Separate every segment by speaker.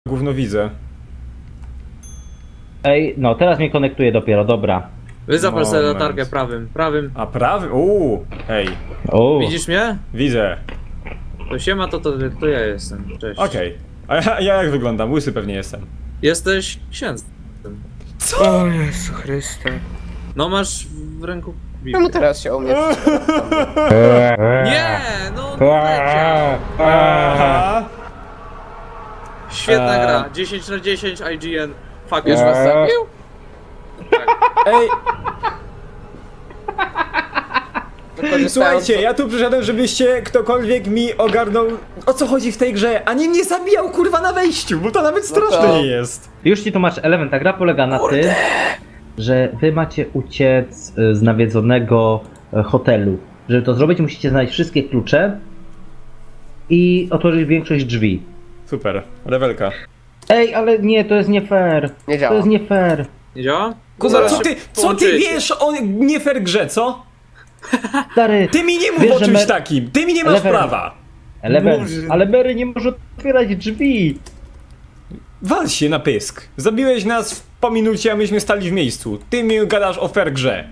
Speaker 1: Gówno widzę.
Speaker 2: Ej, no teraz mnie konektuje dopiero, dobra.
Speaker 3: Zapal sobie
Speaker 1: Moment.
Speaker 3: latarkę prawym.
Speaker 1: A prawy? Hej.
Speaker 3: Widzisz mnie?
Speaker 1: Widzę.
Speaker 3: To siema, to ja jestem. Cześć.
Speaker 1: Okej. A ja jak wyglądam? Łysy pewnie jestem.
Speaker 3: Jesteś księdzem.
Speaker 1: Co?
Speaker 4: O Jezu Chryste.
Speaker 3: No masz w ręku Biblię.
Speaker 4: Czemu teraz się o mnie
Speaker 3: Nie, no leciał.
Speaker 1: Aha.
Speaker 3: Świetna gra. 10/10 IGN. Fuck
Speaker 4: już was zabił?
Speaker 1: Ej,
Speaker 4: Wykorzystałem
Speaker 1: słuchajcie, ja tu przyszedłem, żebyście ktokolwiek mi ogarnął, o co chodzi w tej grze, a nie mnie zabijał kurwa na wejściu, bo to nawet straszne
Speaker 4: to-
Speaker 1: nie jest.
Speaker 2: Już ci tłumaczę, element, ta gra polega na tym, że wy macie uciec z nawiedzonego hotelu. Żeby to zrobić, musicie znaleźć wszystkie klucze i otworzyć większość drzwi.
Speaker 1: Super, rewelka.
Speaker 2: Ej, ale nie, to jest nie fair.
Speaker 4: Nie działa.
Speaker 2: To jest nie fair.
Speaker 3: Nie działa?
Speaker 1: Kuba,
Speaker 3: Zaraz
Speaker 1: co
Speaker 3: się
Speaker 1: ty
Speaker 3: połączycie.
Speaker 1: wiesz o nie fair grze, co?
Speaker 2: Stary,
Speaker 1: Ty mi nie mów
Speaker 2: wiesz,
Speaker 1: o
Speaker 2: że
Speaker 1: czymś
Speaker 2: my-
Speaker 1: takim, ty mi nie masz
Speaker 2: Level-
Speaker 1: prawa.
Speaker 2: element,
Speaker 3: Boże.
Speaker 2: ale Mary nie może otwierać drzwi.
Speaker 1: Wal się na pysk. Zabiłeś nas po minucie, a myśmy stali w miejscu. Ty mi gadasz o fair grze.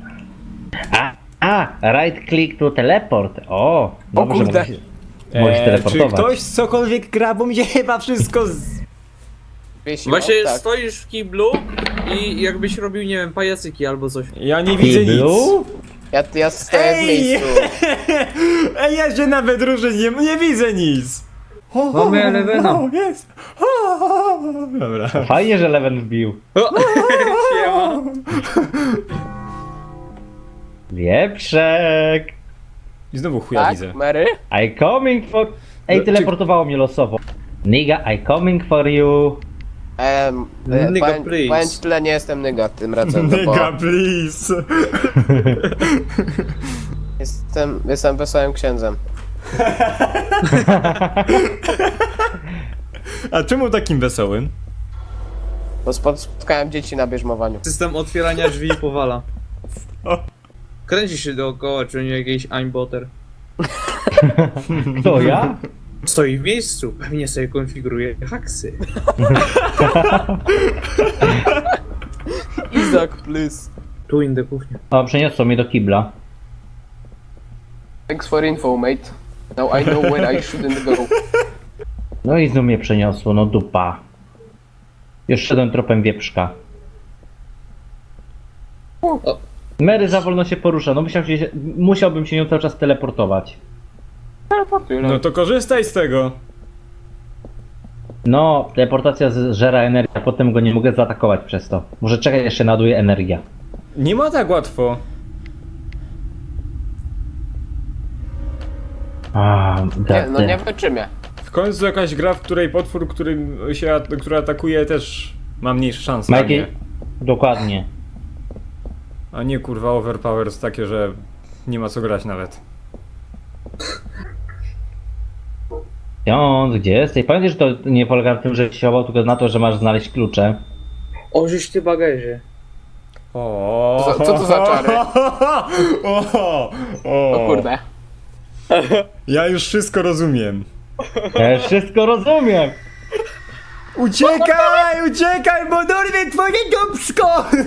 Speaker 2: Right click to teleport. O, dobrze,
Speaker 4: kurde.
Speaker 2: możesz
Speaker 1: Czy
Speaker 2: teleportować.
Speaker 1: ktoś cokolwiek gra, bo mi się chyba wszystko
Speaker 4: Wiesiło?
Speaker 3: Właśnie
Speaker 4: Tak.
Speaker 3: stoisz w kiblu i jakbyś robił, nie wiem, pajacyki albo coś.
Speaker 1: Ja nie widzę nic.
Speaker 2: Kiblu?
Speaker 4: Ja stoję w
Speaker 1: Ej!
Speaker 4: miejscu.
Speaker 1: Ej, ja się nawet różę, nie widzę nic.
Speaker 2: Mamy Elevena.
Speaker 1: Jest. Dobra.
Speaker 2: Fajnie, że Leven wbił.
Speaker 3: Siema.
Speaker 2: Wieprzek.
Speaker 1: I znowu chuja
Speaker 4: Tak,
Speaker 1: widzę.
Speaker 4: Mary?
Speaker 2: I coming for... Ej,
Speaker 1: Czy-
Speaker 2: teleportowało mnie losowo. Nigga, I coming for you.
Speaker 3: Nigga,
Speaker 4: powiem
Speaker 3: please.
Speaker 4: ci tyle, nie jestem nyga tym razem, no bo
Speaker 1: Nigga, please.
Speaker 4: jestem wesołym księdzem.
Speaker 1: A czemu takim wesołym?
Speaker 4: Bo spotkałem dzieci na bierzmowaniu.
Speaker 3: System otwierania drzwi powala.
Speaker 1: O.
Speaker 3: Kręci się dookoła, czy nie jakiś aimboter.
Speaker 2: Kto, ja?
Speaker 3: Stoi w miejscu, pewnie sobie konfiguruje haksy.
Speaker 4: Izak, please.
Speaker 3: Tu in the kuchnia.
Speaker 2: O, przeniosło mnie do kibla.
Speaker 4: Thanks for info, mate. Now I know where I shouldn't go.
Speaker 2: No i znów mnie przeniosło, no dupa. Już szedłem tropem wieprzka.
Speaker 3: O.
Speaker 2: Mary za wolno się porusza, no musiałbym się nią cały czas teleportować.
Speaker 4: Teleportuj,
Speaker 1: No to korzystaj z tego.
Speaker 2: No, teleportacja zżera energię, a potem go nie mogę zaatakować przez to. Może czekać, jeszcze naduje energia.
Speaker 1: Nie ma tak łatwo.
Speaker 4: Nie, no nie wytrzymie.
Speaker 1: W końcu jakaś gra, w której potwór, który atakuje, też ma mniejsze szanse.
Speaker 2: Ma
Speaker 1: A
Speaker 2: jakie...
Speaker 1: nie,
Speaker 2: Dokładnie.
Speaker 1: a nie kurwa overpowers takie, że nie ma co grać nawet.
Speaker 2: Ksiądz, gdzie jesteś? Pamiętaj, że to nie polega na tym, że się chował, tylko na to, że masz znaleźć klucze.
Speaker 3: O, żeś ty bagaże.
Speaker 1: O,
Speaker 4: Co to za czary?
Speaker 1: O
Speaker 4: O kurde.
Speaker 1: Ja już wszystko rozumiem.
Speaker 2: Ja wszystko rozumiem!
Speaker 1: Uciekaj, bo dorwie twoje dupsko!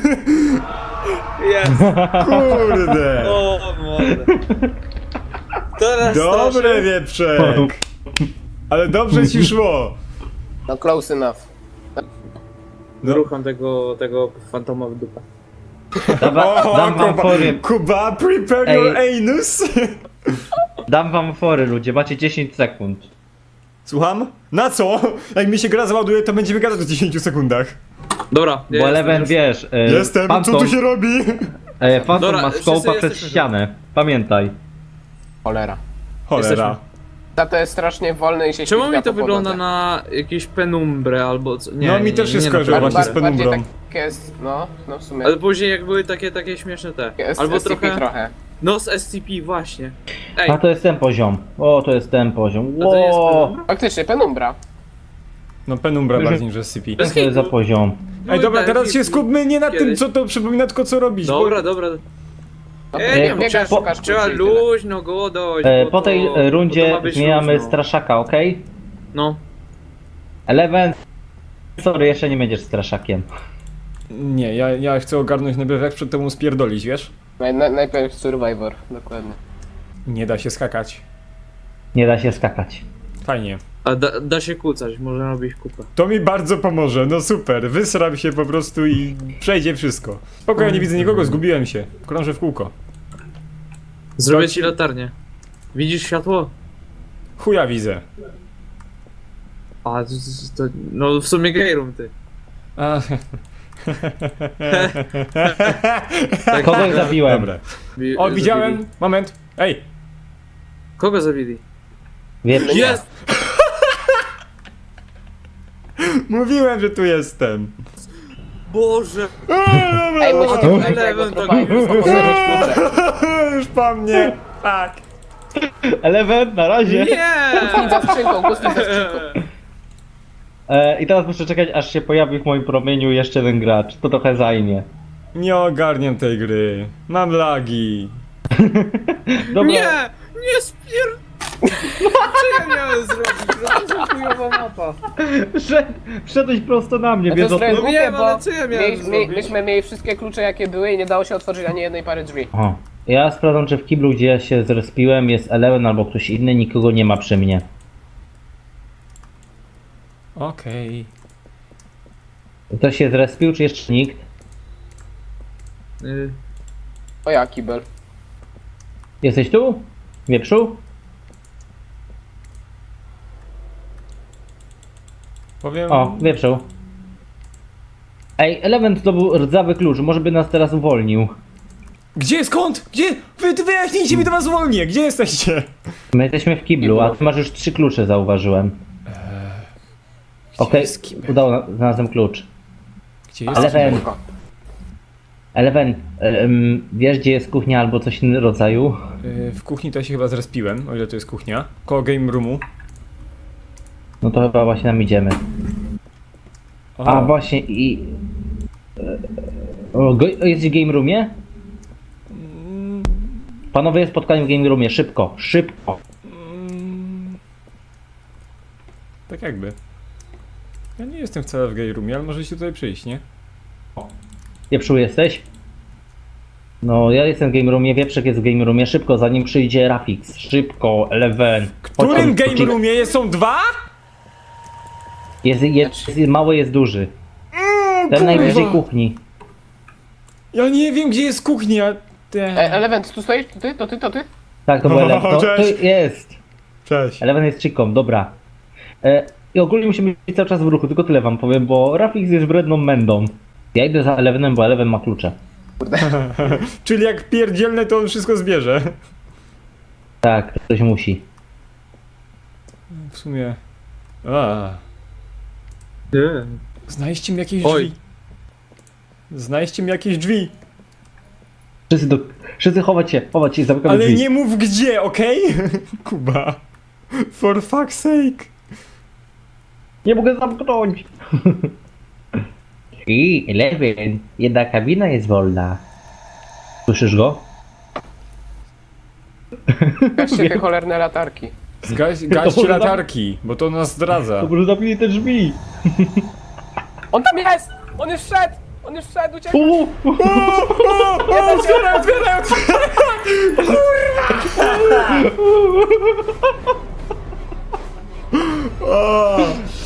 Speaker 3: Jest.
Speaker 1: Kurde.
Speaker 3: O, młode. Teraz
Speaker 1: Dobre, wieprzek. Ale dobrze ci szło.
Speaker 4: No close enough.
Speaker 3: Rucham tego fantoma w dupę.
Speaker 2: Dam wam fory,
Speaker 1: Kuba, prepare
Speaker 2: Ej.
Speaker 1: your anus.
Speaker 2: dam wam fory, ludzie, macie 10 sekund.
Speaker 1: Słucham? Na co? Jak mi się gra załaduje, to będziemy gadać w 10 sekundach.
Speaker 3: Dobra, ja
Speaker 2: Bo
Speaker 3: jestem
Speaker 2: Eleven,
Speaker 3: już.
Speaker 2: wiesz,
Speaker 1: Jestem, co tu się robi?
Speaker 2: Phantom
Speaker 3: Dobra,
Speaker 2: ma
Speaker 3: wszyscy
Speaker 2: skołpa przez
Speaker 3: jesteśmy tu.
Speaker 2: ścianę. Pamiętaj.
Speaker 4: Cholera.
Speaker 1: Cholera.
Speaker 4: Ta to jest strasznie wolny i się
Speaker 3: Czemu
Speaker 4: ślizga
Speaker 3: mi to
Speaker 4: po
Speaker 3: wygląda
Speaker 4: podłodze.
Speaker 3: na jakieś penumbrę albo co? Nie,
Speaker 1: No, mi też się skojarzyło
Speaker 3: naprawdę.
Speaker 1: właśnie z
Speaker 4: Bardziej
Speaker 1: penumbrą.
Speaker 4: takie jest, no w sumie.
Speaker 3: Ale później jak były takie śmieszne te.
Speaker 4: Jest
Speaker 3: Albo
Speaker 4: SCP
Speaker 3: trochę. No z SCP właśnie. Ej,
Speaker 2: A to jest ten poziom. O, to jest ten poziom.
Speaker 3: a to nie jest
Speaker 2: Ło!
Speaker 3: penumbra?
Speaker 4: Faktycznie, penumbra.
Speaker 1: No penumbra
Speaker 2: Że-
Speaker 1: bardziej niż SCP.
Speaker 2: Co to jest za poziom?
Speaker 1: Ej, dobra,
Speaker 3: Były
Speaker 1: teraz się
Speaker 3: takie-
Speaker 1: skupmy nie na tym,
Speaker 3: kiedyś.
Speaker 1: co to przypomina, tylko co robić.
Speaker 3: Dobra, dobra.
Speaker 4: No,
Speaker 3: Ej,
Speaker 4: nie,
Speaker 3: nie,
Speaker 4: biegasz,
Speaker 3: trzeba,
Speaker 4: szukasz
Speaker 3: trzeba
Speaker 4: kluczy i tyle.
Speaker 3: luźno go dojść. bo
Speaker 2: Po tej
Speaker 3: to
Speaker 2: rundzie
Speaker 3: ma być
Speaker 2: zmieniamy
Speaker 3: luźno.
Speaker 2: straszaka, ok?
Speaker 3: No.
Speaker 2: Eleven, Sorry, jeszcze nie będziesz straszakiem.
Speaker 1: Nie, ja chcę ogarnąć najpierw jak przed tobą spierdolić, wiesz?
Speaker 4: Najpierw Survivor, dokładnie.
Speaker 1: Nie da się skakać.
Speaker 2: Nie da się skakać.
Speaker 1: Fajnie.
Speaker 3: A da się kłócać, można robić kupę.
Speaker 1: To mi bardzo pomoże, no super. Wysram się po prostu i przejdzie wszystko. Spoko, ja nie widzę nikogo, zgubiłem się. Krążę w kółko.
Speaker 3: Zrobię ci latarnię. Widzisz światło?
Speaker 1: Chuja widzę.
Speaker 3: A, no w sumie gejrum ty.
Speaker 1: A,
Speaker 3: Tak,
Speaker 2: Kogoś zabiłem.
Speaker 1: dobra. O, widziałem.
Speaker 3: zabili.
Speaker 1: Moment. Ej.
Speaker 3: Kogo zabili?
Speaker 2: Wiesz,
Speaker 3: Jest!
Speaker 1: Mówiłem, że tu jestem.
Speaker 3: Boże!
Speaker 4: Ej, musicie tutaj
Speaker 3: Eleven
Speaker 4: tego
Speaker 3: tak-
Speaker 4: trupa już posadzić klucze.
Speaker 1: Już po mnie. Tak.
Speaker 2: Eleven, na razie.
Speaker 3: Nie!
Speaker 4: Kuchni za skrzynką, kuchni za skrzynką.
Speaker 2: I teraz muszę czekać, aż się pojawi w moim promieniu jeszcze jeden gracz. To trochę zajmie.
Speaker 1: Nie ogarniam tej gry. Mam lagi.
Speaker 2: Dobra.
Speaker 3: Nie! Nie spier... Co ja miałem zrobić? To jest chujowa mapa.
Speaker 2: Wszedłeś prosto na mnie,
Speaker 4: Ja to
Speaker 2: wiedząc...
Speaker 4: zrobiłem
Speaker 3: No
Speaker 4: głupie,
Speaker 3: wiem,
Speaker 4: bo
Speaker 3: ale co ja miałem zrobić?
Speaker 4: myśmy mieli wszystkie klucze jakie były i nie dało się otworzyć ani jednej pary drzwi.
Speaker 2: O. Ja sprawdzam, czy w kiblu, gdzie ja się zrespiłem, jest Eleven albo ktoś inny, nikogo nie ma przy mnie.
Speaker 1: Okej.
Speaker 2: Ktoś się zrespił, czy jeszcze nikt?
Speaker 4: O ja, kibel.
Speaker 2: Jesteś tu? Wieprzu?
Speaker 1: Powiem...
Speaker 2: O, wieprzu. Ej, Eleven zdobył rdzawy klucz, może by nas teraz uwolnił.
Speaker 1: Gdzie, skąd? Gdzie? Wyjaśnijcie mi, to was uwolnię. Gdzie jesteście?
Speaker 2: My jesteśmy w kiblu, a ty masz już 3 klucze, zauważyłem. Okej,
Speaker 1: jest kibel?
Speaker 2: znalazłem klucz.
Speaker 1: Gdzie jest?
Speaker 2: Eleven, Eleven, wiesz gdzie jest kuchnia albo coś innego rodzaju?
Speaker 1: W kuchni to ja się chyba zrespiłem, o ile to jest kuchnia. Koło game roomu.
Speaker 2: No to chyba właśnie tam idziemy.
Speaker 1: O,
Speaker 2: A właśnie i... Jest w game roomie? Panowie, spotkanie w game roomie, szybko, szybko.
Speaker 1: tak jakby. Ja nie jestem wcale w game roomie, ale możecie tutaj przyjść, nie?
Speaker 2: Wieprzu jesteś? No, ja jestem w game roomie, Wieprzek jest w game roomie, szybko, zanim przyjdzie Rafix. Szybko, Eleven.
Speaker 1: W którym game roomie są dwa?
Speaker 2: Jest, mały jest duży. Ten najbliżej kuchni.
Speaker 1: Ja nie wiem, gdzie jest kuchnia.
Speaker 4: Element, tu stoisz? To ty? To ty? To ty?
Speaker 2: Tak, to był
Speaker 1: O,
Speaker 2: Eleven. To
Speaker 1: cześć.
Speaker 2: jest.
Speaker 1: Cześć.
Speaker 2: Eleven jest chiką, dobra. I ogólnie musimy być cały czas w ruchu, tylko tyle wam powiem, bo Rafix jest wredną mędą. Ja idę za Elevenem, bo Eleven ma klucze.
Speaker 1: Czyli jak pierdzielne, to on wszystko zbierze.
Speaker 2: Tak, ktoś musi.
Speaker 1: W sumie... A,
Speaker 3: Nie.
Speaker 1: znajdźcie mi jakieś
Speaker 3: Oj.
Speaker 1: drzwi. Znajdźcie mi jakieś drzwi.
Speaker 2: Wszyscy chować się, zamykamy
Speaker 1: Ale
Speaker 2: drzwi.
Speaker 1: nie mów gdzie, okej? Kuba. For fuck's sake.
Speaker 2: Nie mogę zamknąć. I Eleven, jedna kabina jest wolna. Słyszysz go?
Speaker 4: Gaście te cholerne latarki.
Speaker 1: Gaście
Speaker 2: może
Speaker 1: latarki, bo to nas zdradza.
Speaker 2: To może zamknij te drzwi.
Speaker 4: On tam jest! On już wszedł! On już wszedł, uciekł!
Speaker 1: Otwieraj, otwieraj, otwieraj! Kurwa!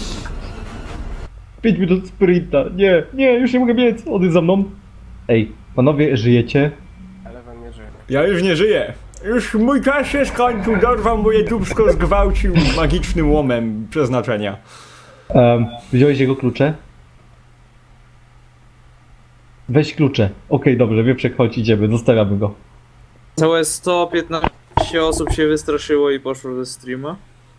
Speaker 2: 5 minut sprinta. Nie, już nie mogę biec. On jest za mną. Ej, panowie, żyjecie?
Speaker 4: Eleven nie żyje.
Speaker 1: Ja już nie żyję. Już mój czas się skończył, dorwał moje dubsko, zgwałcił magicznym łomem przeznaczenia.
Speaker 2: Wziąłeś jego klucze? Weź klucze. Okej, dobrze, Wieprzek, chodź, idziemy, zostawiamy go.
Speaker 3: Całe 115 osób się wystraszyło i poszło ze streama.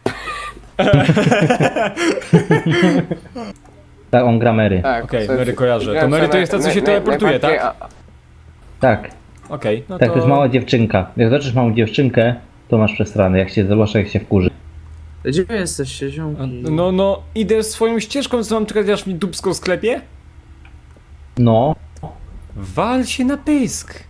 Speaker 2: Tak, on gra Mary.
Speaker 4: Tak.
Speaker 1: Okej,
Speaker 4: to-
Speaker 1: Mary kojarzę. To
Speaker 4: grałem
Speaker 1: Mary to
Speaker 4: sobie
Speaker 1: jest ta, co się teleportuje,
Speaker 4: najbardziej-
Speaker 1: tak?
Speaker 2: Tak,
Speaker 1: Okej, no
Speaker 2: tak, to jest mała dziewczynka. Jak zobaczysz małą dziewczynkę, to masz przesrany, zwłaszcza jak się wkurzy.
Speaker 3: Gdzie wy jesteście, ziomki?
Speaker 1: No, idę swoją ścieżką, co mam czekać, aż mi dubsko sklepie?
Speaker 2: No,
Speaker 1: Wal się na pysk.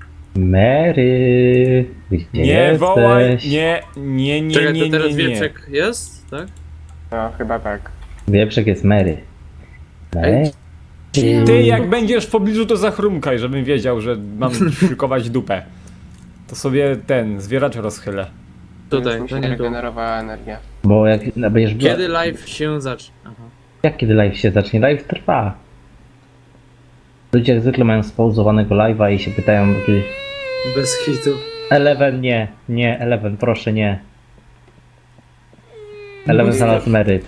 Speaker 2: Mary, gdzie
Speaker 1: Nie
Speaker 2: jesteś?
Speaker 1: wołaj, nie,
Speaker 3: Czekaj, to teraz
Speaker 1: nie.
Speaker 3: Wieprzek jest, tak?
Speaker 4: No, chyba tak.
Speaker 2: Wieprzek jest Mary. Ej.
Speaker 1: Ty, jak będziesz w pobliżu, to zachrumkaj, żebym wiedział, że mam szykować dupę. To sobie ten, zwieracz rozchylę.
Speaker 3: Tutaj,
Speaker 4: Już mi
Speaker 3: to
Speaker 4: się
Speaker 3: nie tu.
Speaker 4: regenerowała energia.
Speaker 2: Bo jak będziesz...
Speaker 3: Kiedy live się zacznie? Aha.
Speaker 2: Jak kiedy live się zacznie? Live trwa. Ludzie jak zwykle mają spauzowanego live'a i się pytają kiedy...
Speaker 3: Bez hitu.
Speaker 2: Eleven nie, nie, Eleven, proszę nie. Eleven znalazł Mary.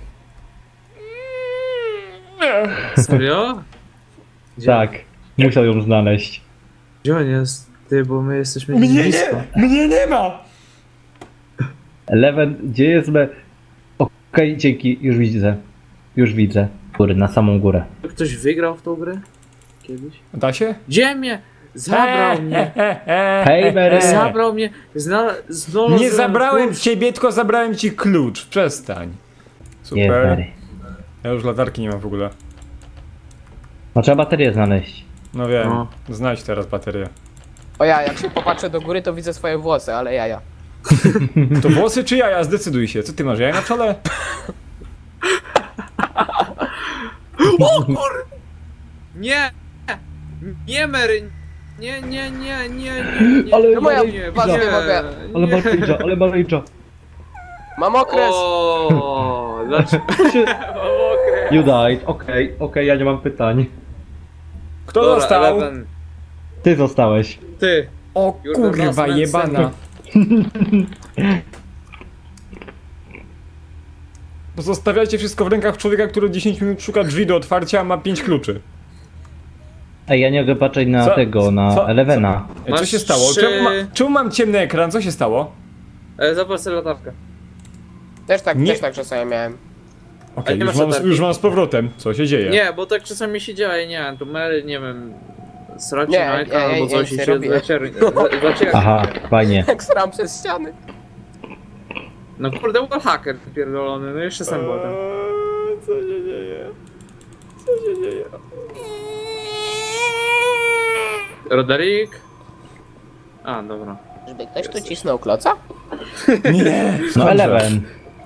Speaker 3: Serio? Gdzie,
Speaker 2: Tak, musiał ją znaleźć.
Speaker 3: Gdzie on jest? Ty, bo my jesteśmy blisko.
Speaker 1: Mnie nie ma!
Speaker 2: Eleven, gdzie jest me... Okej, dzięki, już widzę. Już widzę. Góry, na samą górę.
Speaker 3: Ktoś wygrał w tą grę? Kiedyś?
Speaker 1: Da się?
Speaker 3: Gdzie mnie? Zabrał mnie.
Speaker 2: Hej Mary!
Speaker 3: Zabrał mnie. Znalazłem
Speaker 1: Nie zabrałem
Speaker 3: klucz.
Speaker 1: ciebie, tylko zabrałem ci klucz. Przestań.
Speaker 2: Jest
Speaker 1: Super.
Speaker 2: Mary.
Speaker 1: Ja już latarki nie mam w ogóle.
Speaker 2: No trzeba baterię znaleźć.
Speaker 1: No wiem,
Speaker 3: No.
Speaker 1: znajdź teraz baterię.
Speaker 4: O ja, jak się popatrzę do góry, to widzę swoje włosy, ale jaja.
Speaker 1: To włosy czy jaja? Zdecyduj się. Co ty masz, jaja na czole?
Speaker 3: Nie! Nie, Mary! Nie.
Speaker 2: Ale
Speaker 4: To moja
Speaker 3: nie,
Speaker 4: was nie mogę.
Speaker 2: Ale Maryjcza, ale Maryjcza.
Speaker 4: Mam okres!
Speaker 3: O, dlaczego? Mam okres.
Speaker 2: You died, okej, ja nie mam pytań.
Speaker 1: Kto
Speaker 3: Dobra,
Speaker 1: został?
Speaker 3: Eleven.
Speaker 2: Ty zostałeś.
Speaker 3: Ty.
Speaker 1: O
Speaker 3: You're the
Speaker 1: kurwa
Speaker 3: last man
Speaker 1: jebana. Pozostawiacie wszystko w rękach człowieka, który 10 minut szuka drzwi do otwarcia, a ma 5 kluczy.
Speaker 2: Ej, ja nie mogę patrzeć na
Speaker 1: Co?
Speaker 2: tego, na
Speaker 1: Co?
Speaker 2: Elevena.
Speaker 1: Co
Speaker 3: Masz
Speaker 1: się stało?
Speaker 3: trzy-
Speaker 1: Czemu mam ciemny ekran? Co się stało?
Speaker 3: Zapal sobie latarkę.
Speaker 1: Nie.
Speaker 4: Też tak czasami miałem.
Speaker 1: Okej,
Speaker 3: nie
Speaker 1: już,
Speaker 3: masz latarki?
Speaker 1: już mam z powrotem. Co się dzieje?
Speaker 3: Nie, bo tak czasami się dzieje, nie, to Mary, nie wiem, sracie
Speaker 4: Nie,
Speaker 3: na ekran
Speaker 4: ja
Speaker 3: albo
Speaker 4: nic
Speaker 3: coś
Speaker 4: nie
Speaker 3: i się
Speaker 4: robię.
Speaker 3: zaciera.
Speaker 2: Aha, fajnie.
Speaker 4: Jak sram przez ściany.
Speaker 3: No kurde, wallhacker pierdolony, no jeszcze sam potem.
Speaker 1: Co się dzieje? Co się dzieje?
Speaker 3: Roderick? A, dobra.
Speaker 4: Żeby ktoś tu cisnął kloca?
Speaker 1: Nie!
Speaker 2: No Eleven.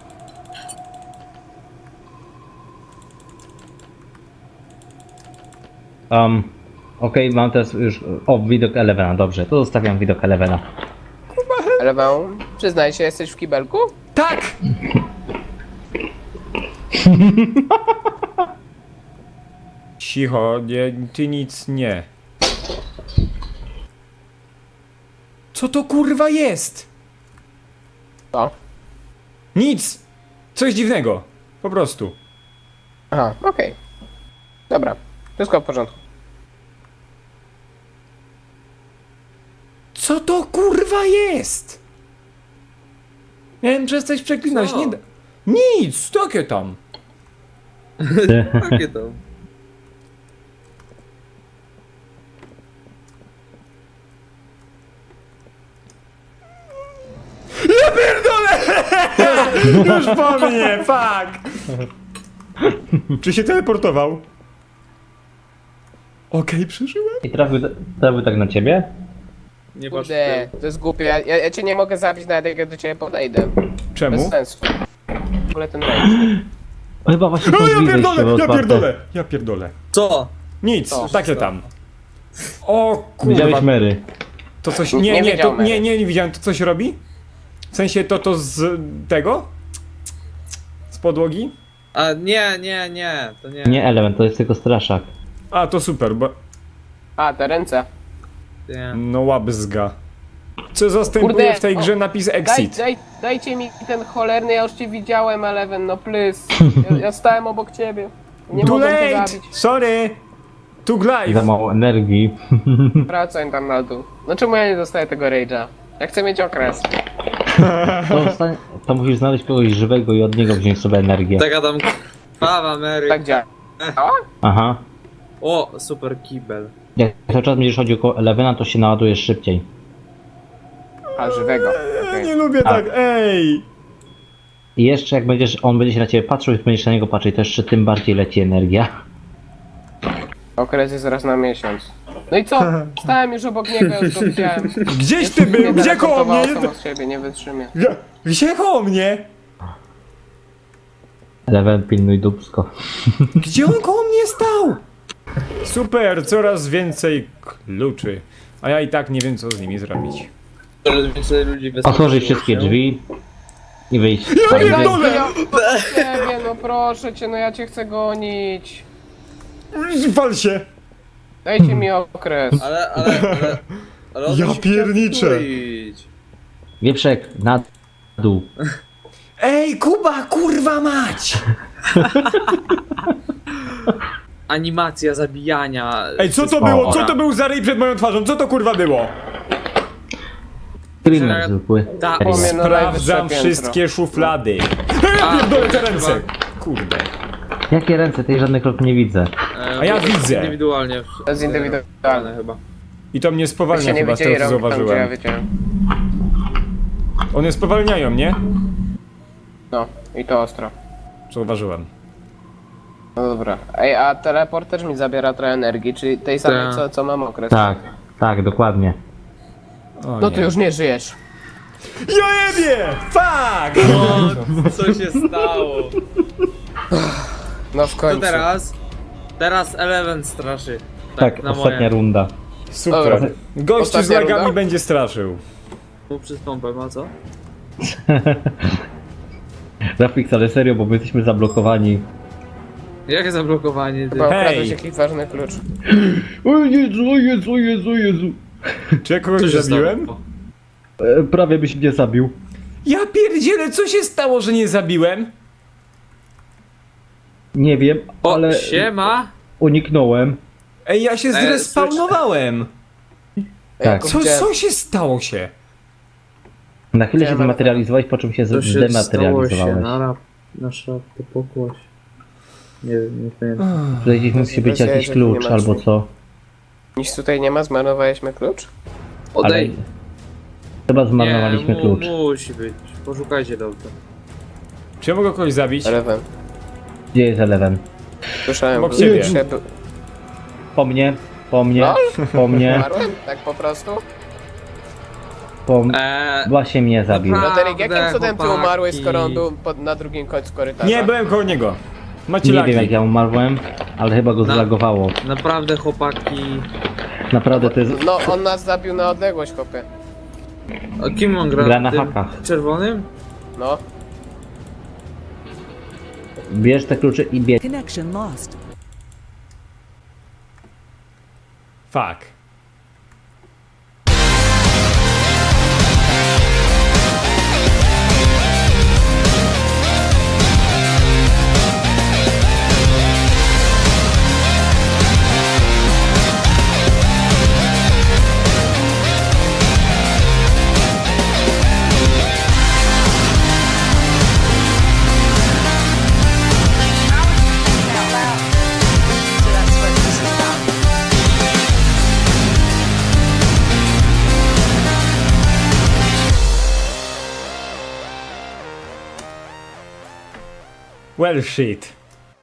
Speaker 2: Okej, mam teraz już... O, widok Elevena, dobrze. To zostawiam widok Elevena.
Speaker 4: Ale wam, przyznaj się, jesteś w kibelku?
Speaker 1: Tak! Cicho, nie, ty nic nie. Co to kurwa jest?
Speaker 4: Co?
Speaker 1: Nic! Coś dziwnego. Po prostu.
Speaker 4: Aha, okej. Dobra, wszystko w porządku.
Speaker 1: Co to kurwa jest? Miałem przestać przeklinać,
Speaker 3: Co?
Speaker 1: nie da... Nic, takie tam.
Speaker 3: Jakie to?
Speaker 1: Ja pierdolę! Już po mnie, fuck! Czy się teleportował? Okej, przeżyłem.
Speaker 2: I trafił tak na ciebie?
Speaker 3: Nie patrz
Speaker 4: Kurde, to jest głupie, ja cię nie mogę zabić nawet jak ja do ciebie podejdę.
Speaker 1: Czemu?
Speaker 4: Bez sensu. W ogóle ten rejs.
Speaker 2: Chyba właśnie
Speaker 1: O,
Speaker 2: to
Speaker 1: ja
Speaker 2: drzwi
Speaker 1: pierdolę,
Speaker 2: wejściowe
Speaker 1: ja
Speaker 2: otwarte.
Speaker 1: pierdolę, ja pierdolę.
Speaker 3: Co?
Speaker 1: Nic,
Speaker 4: Co?
Speaker 1: takie tam. O kurwa,
Speaker 2: Widziałeś Mary.
Speaker 1: to coś,
Speaker 4: Nie
Speaker 1: nie,
Speaker 4: wiedział
Speaker 1: to,
Speaker 4: Mary.
Speaker 1: nie widziałem, to coś robi? W sensie to z tego? Z podłogi?
Speaker 3: A nie, to nie.
Speaker 2: Nie Element, to jest tylko straszak.
Speaker 1: A, to super, bo...
Speaker 4: A, te ręce.
Speaker 3: nie.
Speaker 1: No łabzga. Co zastępuje
Speaker 4: Kurde,
Speaker 1: w tej grze napis exit?
Speaker 4: Dajcie mi ten cholerny, ja już cię widziałem, Eleven, no please. Ja stałem obok ciebie. Nie
Speaker 1: Too
Speaker 4: mogłem cię
Speaker 1: late!
Speaker 4: zabić.
Speaker 1: Sorry! Too
Speaker 2: Za
Speaker 1: live!
Speaker 2: mało energii.
Speaker 4: Wracaj tam na dół. No czemu ja nie dostaję tego rage'a? Ja chcę mieć okres.
Speaker 2: To musisz znaleźć kogoś żywego i od niego wziąć sobie energię.
Speaker 3: Taka tam krwawa Mary.
Speaker 4: Tak działa.
Speaker 2: Aha.
Speaker 3: O, super kibel.
Speaker 2: Jak cały czas będziesz chodził koło Elevena, to się naładujesz szybciej.
Speaker 4: A, żywego.
Speaker 1: Ja
Speaker 4: Okej.
Speaker 1: nie lubię
Speaker 2: A.
Speaker 1: tak, ej!
Speaker 2: I jeszcze jak on będzie się na ciebie patrzył i będziesz na niego patrzeć, to jeszcze tym bardziej leci energia.
Speaker 4: Okres jest raz na miesiąc. No i co? Stałem już obok niego, już go widziałem.
Speaker 1: Gdzieś ty był? Gdzie koło mnie?
Speaker 4: Samo z siebie, nie wytrzymie.
Speaker 1: Gdzie koło mnie?
Speaker 2: Eleven, pilnuj dupsko.
Speaker 1: Gdzie on koło mnie stał? Super, coraz więcej kluczy. A ja i tak nie wiem, co z nimi zrobić.
Speaker 3: Coraz więcej ludzi
Speaker 2: Otworzyć wszystkie drzwi i wyjść.
Speaker 1: Ja pierdolę!
Speaker 4: Ciebie, no proszę cię, no ja cię chcę gonić.
Speaker 1: Wal się!
Speaker 4: Dajcie mi okres.
Speaker 3: Ale on
Speaker 1: Ja
Speaker 3: się chciał
Speaker 1: pierniczę.
Speaker 3: wkleić.
Speaker 2: Wieprzek, na dół.
Speaker 1: Ej, Kuba, kurwa mać!
Speaker 3: Animacja zabijania.
Speaker 1: Ej, co to było? Co to był za ryj przed moją twarzą? Co to kurwa było?
Speaker 2: Screamer zwykły.
Speaker 3: Ta-
Speaker 2: Serio.
Speaker 4: Powiem- No,
Speaker 1: Sprawdzam
Speaker 4: najwyższe
Speaker 1: wszystkie szuflady. Ej, ja
Speaker 3: A,
Speaker 1: pierdolę te
Speaker 3: chyba.
Speaker 1: ręce! Kurde.
Speaker 2: Jakie ręce? Tej żadnych krok nie widzę.
Speaker 1: A ja
Speaker 3: to jest
Speaker 1: widzę.
Speaker 3: Indywidualnie.
Speaker 4: To jest indywidualne.
Speaker 3: chyba.
Speaker 1: I to mnie
Speaker 4: Wy
Speaker 1: spowalnia
Speaker 4: się nie
Speaker 1: chyba, z
Speaker 4: widzieli
Speaker 1: tego co
Speaker 4: rąk tam, gdzie ja
Speaker 1: zauważyłem.
Speaker 4: wiedziałem.
Speaker 1: One spowalniają, nie?
Speaker 4: No, i to ostro.
Speaker 1: Zauważyłem.
Speaker 4: No dobra. Ej, a teleport też mi zabiera trochę energii, czyli tej samej,
Speaker 3: Tak.
Speaker 4: co mam okres.
Speaker 2: Tak, tak, dokładnie.
Speaker 1: O,
Speaker 4: No
Speaker 1: nie.
Speaker 4: ty już nie żyjesz.
Speaker 1: Ja jebie! Fuck!
Speaker 3: Co się stało?
Speaker 4: No w
Speaker 3: Co
Speaker 4: końcu.
Speaker 3: teraz? Teraz Eleven straszy.
Speaker 2: Tak,
Speaker 3: na
Speaker 2: ostatnia
Speaker 3: moje.
Speaker 2: runda.
Speaker 1: Super.
Speaker 4: Dobra.
Speaker 1: Gościu z
Speaker 4: Ostatnia
Speaker 1: lagami
Speaker 4: runda?
Speaker 1: będzie straszył.
Speaker 3: Mu przez pompę, ma co?
Speaker 2: Rafix, ale serio, bo my jesteśmy zablokowani.
Speaker 3: Jakie zablokowanie, ty?
Speaker 4: Chyba
Speaker 1: Hej.
Speaker 4: okradłeś jakiś ważny klucz.
Speaker 2: O Jezu, o Jezu, o Jezu, o Jezu.
Speaker 1: Czy ja kogoś
Speaker 3: Co się
Speaker 1: zabiłem?
Speaker 3: stało?
Speaker 2: Prawie byś mnie zabił.
Speaker 1: Ja pierdzielę, co się stało, że nie zabiłem?
Speaker 2: Nie wiem,
Speaker 3: O,
Speaker 2: ale
Speaker 3: siema!
Speaker 2: uniknąłem.
Speaker 1: Ej, ja się zrespawnowałem.
Speaker 2: Tak.
Speaker 1: Co się stało się?
Speaker 2: Na chwilę się
Speaker 4: Siema.
Speaker 2: zmaterializowałeś, po czym się
Speaker 3: To się stało się,
Speaker 2: zdematerializowałeś.
Speaker 3: na szafkę pokłoś. Nie wiem, nie pamiętam.
Speaker 2: Tutaj musi być
Speaker 4: Bez
Speaker 2: jakiś
Speaker 4: jajek nie
Speaker 2: klucz
Speaker 4: ma
Speaker 2: albo
Speaker 4: drzwi.
Speaker 2: co.
Speaker 4: Nic tutaj nie ma, zmarnowaliśmy klucz?
Speaker 2: Ale
Speaker 3: Odej.
Speaker 2: chyba zmarnowaliśmy
Speaker 3: nie,
Speaker 2: klucz.
Speaker 3: musi być. Poszukajcie dobrze.
Speaker 1: Czy ja mogę kogoś zabić?
Speaker 4: Eleven.
Speaker 2: Gdzie jest Eleven?
Speaker 4: Słyszałem,
Speaker 1: Obok
Speaker 4: że
Speaker 1: ciebie.
Speaker 4: szedł.
Speaker 2: Po mnie, po mnie,
Speaker 4: Lol?
Speaker 2: po mnie,
Speaker 4: Umarłem? Tak po prostu?
Speaker 2: po mnie. Właśnie mnie zabił.
Speaker 3: Dobra.
Speaker 4: Roderick, jakim cudem ty
Speaker 3: chłopaki.
Speaker 4: umarłeś, skoro on był na drugim końcu korytarza?
Speaker 1: Nie, byłem koło niego. Macie
Speaker 2: Nie
Speaker 1: lagi.
Speaker 2: wiem jak ja umarłem, ale chyba go
Speaker 3: No.
Speaker 2: zlagowało.
Speaker 3: Naprawdę chłopaki.
Speaker 2: Naprawdę to jest...
Speaker 4: No, on nas zabił na odległość, chłopie.
Speaker 3: A kim on gra?
Speaker 2: Gra na
Speaker 3: Tym
Speaker 2: hakach.
Speaker 3: Czerwonym?
Speaker 4: No.
Speaker 2: Bierz te klucze i bieg.
Speaker 5: Connection lost.
Speaker 1: Fuck.
Speaker 5: So that's what this is about.
Speaker 1: Well shit.